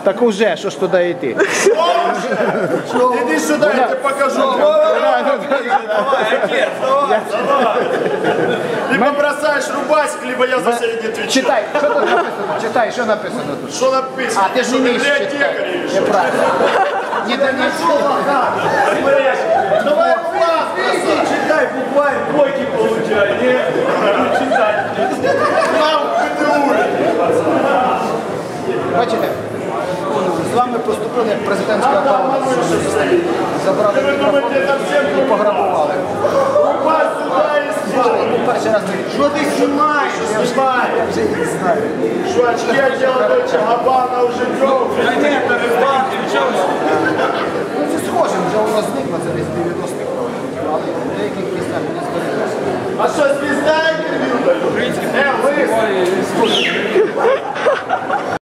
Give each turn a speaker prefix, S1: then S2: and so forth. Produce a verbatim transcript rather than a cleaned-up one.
S1: Так уже, що ж туди йти?
S2: Іди сюди, я тебе покажу. Либо бросаешь рубасик, либо я за себя не отвечаю.
S1: Читай, що тут написано? Читай, що написано тут?
S2: Что написано?
S1: А, ти ж не вмієш читати.
S2: Библиотекарь.
S1: Неправильно. Не
S2: Давай класс, читай, буквально двойки получай. Не читай. Нам Петруль.
S1: Бачите, з вами поступили як президентська апарат. Забрали мікрофон і пограбували. Перший раз
S2: Что ты снимаешь? Снимай.
S1: я вже їх знаю.
S2: Что очки одела дочь Габана уже делал?
S1: Ну це схоже, вже воно зникло, це десь дев'яностих років, але в деяких місцях не збереглося.
S2: А что, звезда интервью дают? Э, вы?